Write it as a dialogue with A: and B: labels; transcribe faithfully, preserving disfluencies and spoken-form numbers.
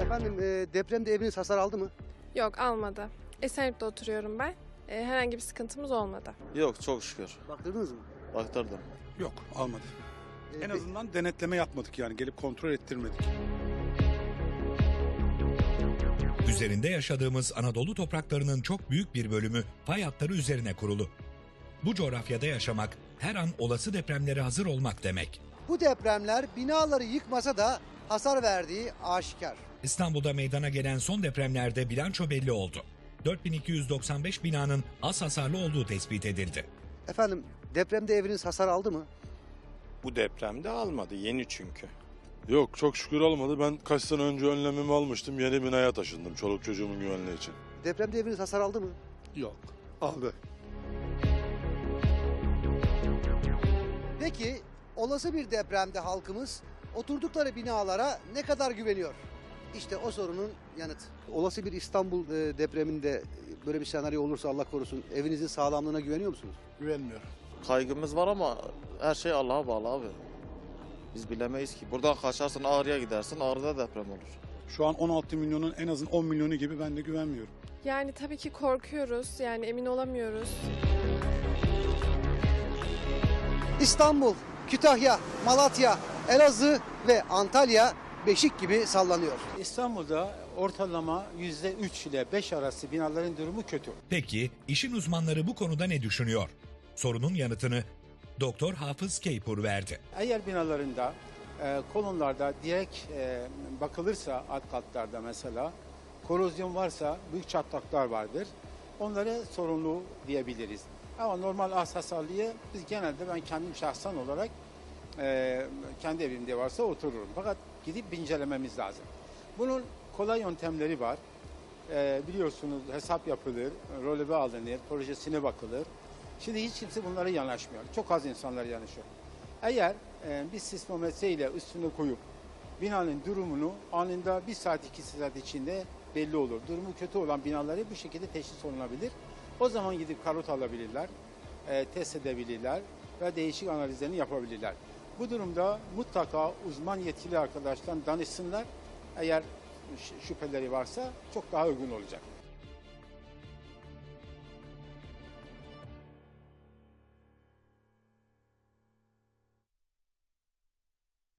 A: Efendim e, depremde eviniz hasar aldı mı?
B: Yok, almadı. Esenyurt'ta oturuyorum ben. E, herhangi bir sıkıntımız olmadı.
C: Yok, çok şükür.
A: Baktırdınız mı?
C: Baktırdım.
D: Yok, almadı.
A: E,
D: En
A: pe-
D: azından denetleme yapmadık, yani gelip kontrol ettirmedik.
E: Üzerinde yaşadığımız Anadolu topraklarının çok büyük bir bölümü fay hatları üzerine kurulu. Bu coğrafyada yaşamak, her an olası depremlere hazır olmak demek.
A: Bu depremler binaları yıkmasa da hasar verdiği aşikar.
E: İstanbul'da meydana gelen son depremlerde bilanço belli oldu. dört bin iki yüz doksan beş binanın az hasarlı olduğu tespit edildi.
A: Efendim depremde eviniz hasar aldı mı?
F: Bu depremde almadı. Yeni çünkü.
G: Yok, çok şükür almadı. Ben kaç sene önce önlemimi almıştım. Yeni binaya taşındım çoluk çocuğumun güvenliği için.
A: Depremde eviniz hasar aldı mı?
D: Yok, aldı.
A: Peki olası bir depremde halkımız oturdukları binalara ne kadar güveniyor? İşte o sorunun yanıtı. Olası bir İstanbul e, depreminde böyle bir senaryo olursa Allah korusun evinizin sağlamlığına güveniyor musunuz?
D: Güvenmiyorum.
C: Kaygımız var ama her şey Allah'a bağlı abi. Biz bilemeyiz ki. Buradan kaçarsın Ağrı'ya gidersin, Ağrı'da deprem olur.
D: Şu an on altı milyonun en azından on milyonu gibi ben de güvenmiyorum.
B: Yani tabii ki korkuyoruz. Yani emin olamıyoruz.
A: İstanbul, Kütahya, Malatya, Elazığ ve Antalya beşik gibi sallanıyor.
H: İstanbul'da ortalama yüzde üç ile beş arası binaların durumu kötü.
E: Peki işin uzmanları bu konuda ne düşünüyor? Sorunun yanıtını Doktor Hafız Keypur verdi.
H: Eğer binalarında, e, kolonlarda direkt e, bakılırsa alt katlarda mesela korozyon varsa büyük çatlaklar vardır. Onları sorunlu diyebiliriz. Ama normal az hasarlıyı biz genelde ben kendim şahsen olarak e, kendi evimde varsa otururum. Fakat gidip bir incelememiz lazım. Bunun kolay yöntemleri var. E, biliyorsunuz hesap yapılır, röleve alınır, projesine bakılır. Şimdi hiç kimse bunlara yanaşmıyor. Çok az insanlar yanaşıyor. Eğer e, bir sismometre ile üstüne koyup binanın durumunu anında bir saat iki saat içinde belli olur. Durumu kötü olan binaları bu şekilde teşhis olunabilir. O zaman gidip karot alabilirler, e, test edebilirler ve değişik analizlerini yapabilirler. Bu durumda mutlaka uzman yetkili arkadaştan danışsınlar. Eğer şüpheleri varsa çok daha uygun olacak.